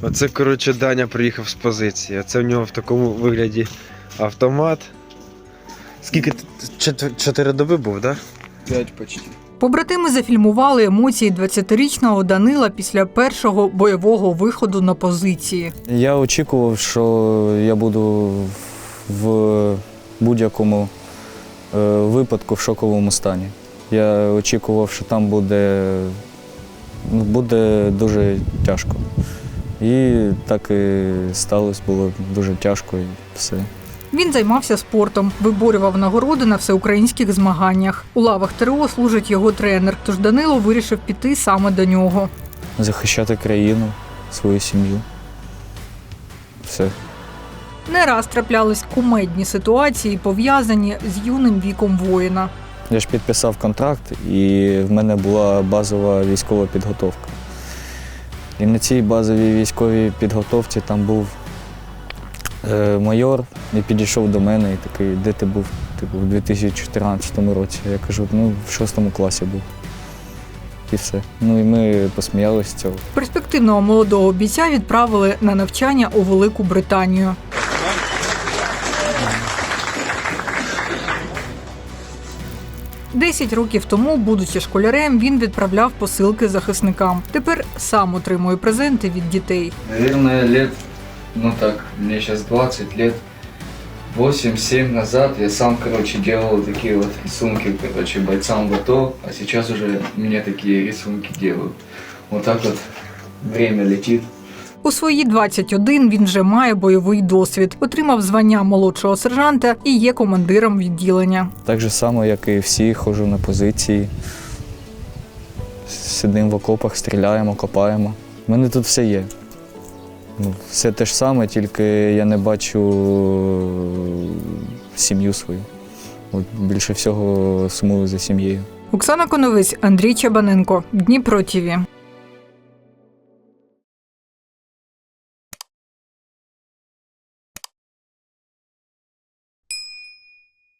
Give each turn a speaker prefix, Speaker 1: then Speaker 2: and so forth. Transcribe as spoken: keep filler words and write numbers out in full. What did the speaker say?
Speaker 1: Оце, коротше, Даня приїхав з позиції. Це в нього в такому вигляді автомат. Скільки? Чотир- Чотири доби був, так? Да?
Speaker 2: П'ять почти.
Speaker 3: Побратими зафільмували емоції двадцятирічного Данила після першого бойового виходу на позиції.
Speaker 4: Я очікував, що я буду в будь-якому е, випадку в шоковому стані. Я очікував, що там буде, ну, буде дуже тяжко. І так і сталося, було дуже тяжко і все.
Speaker 3: Він займався спортом, виборював нагороди на всеукраїнських змаганнях. У лавах ТРО служить його тренер, тож Данило вирішив піти саме до нього.
Speaker 4: Захищати країну, свою сім'ю. Все.
Speaker 3: Не раз траплялись кумедні ситуації, пов'язані з юним віком воїна.
Speaker 4: Я ж підписав контракт, і в мене була базова військова підготовка. І на цій базовій військовій підготовці там був е, майор, і підійшов до мене і такий: де ти був? Типу, в дві тисячі чотирнадцятому році. Я кажу, ну, в шостому класі був. І все. Ну і ми посміялися з цього.
Speaker 3: Перспективного молодого бійця відправили на навчання у Велику Британію. Десять років тому, будучи школярем, він відправляв посилки захисникам. Тепер сам отримує презенти від дітей.
Speaker 2: Наверное, лет, ну так, мне сейчас двадцать лет, восемь-семь назад я сам, короче, делал такие вот рисунки, короче, бойцам в АТО, а сейчас уже мне такие рисунки делают. Вот так вот время летит.
Speaker 3: У свої двадцять один він вже має бойовий досвід, отримав звання молодшого сержанта і є командиром відділення.
Speaker 4: Так же само, як і всі, ходжу на позиції. Сидимо в окопах, стріляємо, копаємо. У мене тут все є. Ну, все те ж саме, тільки я не бачу сім'ю свою. От більше всього сумую за сім'єю.
Speaker 3: Оксана Коновець, Андрій Чабаненко, Дніпро ТІВІ.